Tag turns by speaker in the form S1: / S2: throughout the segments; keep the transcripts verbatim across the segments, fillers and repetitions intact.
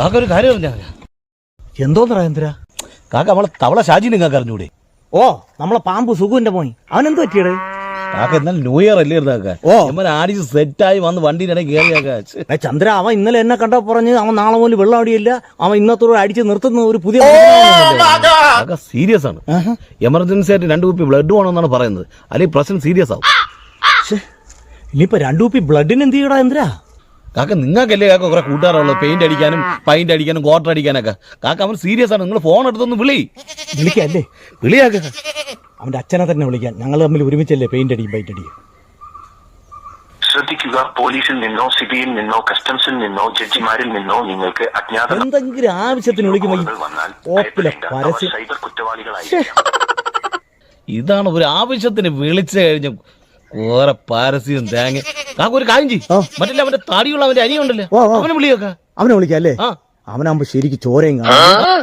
S1: കാക്ക ഒരു കാര്യം പറഞ്ഞാ
S2: എന്തോന്ന് രാജേന്ദ്ര?
S1: കാക്ക നമ്മളെ തവള ഷാജി നിങ്ങൾക്ക് അറിഞ്ഞൂടെ?
S2: ഓ നമ്മളെ പാമ്പ് സുഖുവിന്റെ മോൻ, അവനെന്ത് പറ്റിയത്?
S1: കാക്ക എന്നാൽ ന്യൂ ഇയർ അല്ലേ കാക്ക? ഓ നമ്മൾ ആടിച്ച് സെറ്റായി വന്ന് വണ്ടിയിടെ കയറിയാക്ക.
S2: ചന്ദ്ര, അവൻ ഇന്നലെ എന്നെ കണ്ടാ പറഞ്ഞ് അവൻ നാളെ പോലും വെള്ളം അടിയില്ല, അവൻ ഇന്നത്തോടെ അടിച്ച് നിർത്തുന്ന ഒരു പുതിയ
S1: കാക്ക സീരിയസ് ആണ്. എമർജൻസി ആയിട്ട് രണ്ടു കുപ്പി ബ്ലഡ് വേണമെന്നാണ് പറയുന്നത്, അല്ലെങ്കിൽ പ്രശ്നം സീരിയസ് ആവും.
S2: ഇനിയിപ്പോ രണ്ടു കുപ്പി ബ്ലഡിന് എന്ത് ചെയ്യടാ ചന്ദ്ര?
S1: കാക്ക നിങ്ങൾക്കല്ലേ കാക്ക കുറെ കൂട്ടുകാരുള്ളത്, പെയിന്റ് അടിക്കാനും പൈന്റ് അടിക്കാനും ക്വാർട്ടർ അടിക്കാനൊക്കെ. കാക്ക അവൻ സീരിയസ് ആണ്, നിങ്ങൾ ഫോൺ എടുത്തൊന്ന് വിളി.
S2: വിളിക്കല്ലേ?
S1: വിളിയാക്ക.
S2: അവന്റെ അച്ഛനെ തന്നെ വിളിക്കാൻ, ഞങ്ങൾ തമ്മിൽ ഒരുമിച്ചല്ലേ പെയിന്റ് അടിക്കും പൈന്റ് അടിക്കും.
S3: ശ്രദ്ധിക്കുക, പോലീസിൽ നിന്നോ സിബിയിൽ നിന്നോ കസ്റ്റംസിൽ നിന്നോ ജഡ്ജിമാരിൽ നിന്നോ നിങ്ങൾക്ക് അജ്ഞാത
S2: എന്തെങ്കിലും ആവശ്യത്തിന് വിളിക്കുമ്പോൾ
S3: സൈബർ കുറ്റവാളികളായിരിക്കും.
S1: ഇതാണ് ഒരു ആവശ്യത്തിന് വിളിച്ചു കഴിഞ്ഞ കുറെ പാരസ്യം തേങ്ങ. കാക്ക ഒരു കാര്യം ചെയ്യും, മറ്റേ അവന്റെ താടിയുള്ള അവന്റെ അനിയുണ്ടല്ലോ, അവനെ വിളിയൊക്കെ.
S2: അവനെ വിളിക്കല്ലേ? അവനാകുമ്പോ ശരിക്ക് ചോരയും കാണും.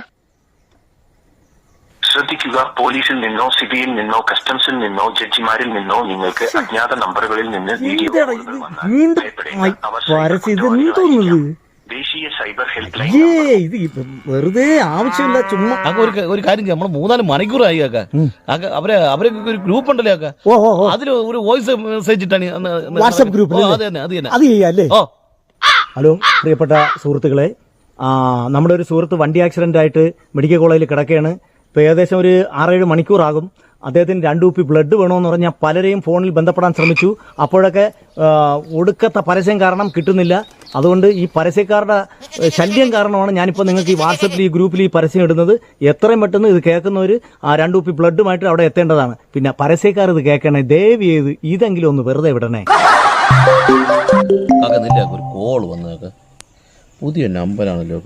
S3: ശ്രദ്ധിക്കുക, പോലീസിൽ നിന്നോ സിബിയിൽ നിന്നോ കസ്റ്റംസിൽ നിന്നോ ജഡ്ജിമാരിൽ നിന്നോ നിങ്ങൾക്ക് അജ്ഞാത നമ്പറുകളിൽ നിന്ന് വീഡിയോ ദേശീയ സൈബർ ഹെൽപ്പ് ലൈൻ.
S2: വെറുതെ ആവശ്യമില്ല ചുമ്മാ.
S1: ഒരു കാര്യം ചെയ്യാം, നമ്മള് മൂന്നാല് മണിക്കൂറായി കാക്ക. കാക്ക അവരെ അവരെ ഒരു ഗ്രൂപ്പ് ഉണ്ടല്ലോ കാക്ക, അതിൽ ഒരു വോയിസ് മെസ്സേജ് ഇട്ടാണ്
S2: വാട്സ്ആപ്പ് ഗ്രൂപ്പിൽ. അത് ചെയ്യാല്ലേ? ഹലോ പ്രിയപ്പെട്ട സുഹൃത്തുക്കളെ, നമ്മുടെ ഒരു സുഹൃത്ത് വണ്ടി ആക്സിഡന്റ് ആയിട്ട് മെഡിക്കൽ കോളേജിൽ കിടക്കുകയാണ്. ഇപ്പോൾ ഏകദേശം ഒരു ആറേഴ് മണിക്കൂറാകും. അദ്ദേഹത്തിന് രണ്ടു കുപ്പി ബ്ലഡ് വേണമെന്ന് പറഞ്ഞാൽ പലരെയും ഫോണിൽ ബന്ധപ്പെടാൻ ശ്രമിച്ചു. അപ്പോഴൊക്കെ ഒടുക്കത്തെ പരസ്യം കാരണം കിട്ടുന്നില്ല. അതുകൊണ്ട് ഈ പരസ്യക്കാരുടെ ശല്യം കാരണമാണ് ഞാനിപ്പോൾ നിങ്ങൾക്ക് ഈ വാട്സപ്പിൽ ഈ ഗ്രൂപ്പിൽ ഈ പരസ്യം ഇടുന്നത്. എത്രയും പെട്ടെന്ന് ഇത് കേൾക്കുന്നവർ ആ രണ്ടു കുപ്പി ബ്ലഡുമായിട്ട് അവിടെ എത്തേണ്ടതാണ്. പിന്നെ പരസ്യക്കാർ ഇത് കേൾക്കണേ, ദയവ് ചെയ്ത് ഇതെങ്കിലും ഒന്ന് വെറുതെ വിടണേ.
S1: ഒരു കോൾ വന്നേക്ക, പുതിയ നമ്പറാണല്ലോ.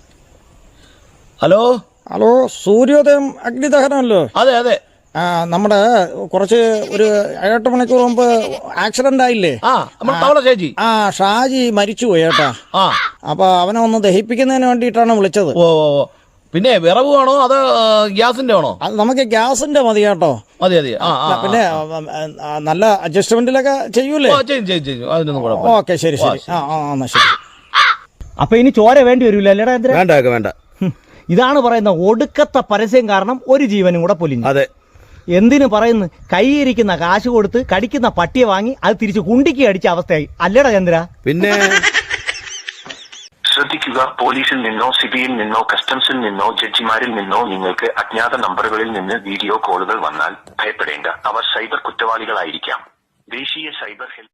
S1: ഹലോ
S4: ഹലോ, സൂര്യോദയം അഗ്നിദഹനമല്ലോ?
S1: അതെ അതെ.
S4: ആ, നമ്മുടെ കുറച്ച് ഒരു ഏഴെട്ട് മണിക്കൂർ മുമ്പ് ആക്സിഡന്റ് ആയില്ലേ? ആ, ഷാജി മരിച്ചുപോയി ഏട്ടാ. അപ്പൊ അവനെ ഒന്ന് ദഹിപ്പിക്കുന്നതിന് വേണ്ടിയിട്ടാണ് വിളിച്ചത്.
S1: ഓ, പിന്നെ വിറവ് വേണോ അതോ ഗ്യാസിന്റെ ആണോ?
S4: അത് നമുക്ക് ഗ്യാസിന്റെ മതി കേട്ടോ.
S1: മതി മതി.
S4: പിന്നെ നല്ല അഡ്ജസ്റ്റ്മെന്റിലൊക്കെ ചെയ്യൂലേ? ഓക്കെ, ശരി ശരി. ആ ആ എന്നാ ശരി.
S2: അപ്പൊ ഇനി ചോര വേണ്ടി വരൂല അല്ലേടാ?
S1: വേണ്ട വേണ്ട.
S2: ഇതാണ് പറയുന്ന ഒടുക്കത്തെ പരസ്യം കാരണം ഒരു ജീവനും കൂടെ പൊലിഞ്ഞു.
S1: അതെ.
S2: എന്തിനു പറയുന്നു? കൈയിരിക്കുന്ന കാശ് കൊടുത്ത് കടിക്കുന്ന പട്ടിയെ വാങ്ങി അത് തിരിച്ച് കുണ്ടിക്ക് അടിച്ച അവസ്ഥയായി അല്ലേടാ ചന്ദ്ര?
S1: പിന്നെ
S3: ശ്രദ്ധിക്കുക, പോലീസിൽ നിന്നോ സിബിയിൽ നിന്നോ കസ്റ്റംസിൽ നിന്നോ ജഡ്ജിമാരിൽ നിന്നോ നിങ്ങൾക്ക് അജ്ഞാത നമ്പറുകളിൽ നിന്ന് വീഡിയോ കോളുകൾ വന്നാൽ ഭയപ്പെടേണ്ട, അവർ സൈബർ കുറ്റവാളികളായിരിക്കാം. ദേശീയ സൈബർ ഹെൽപ്പ്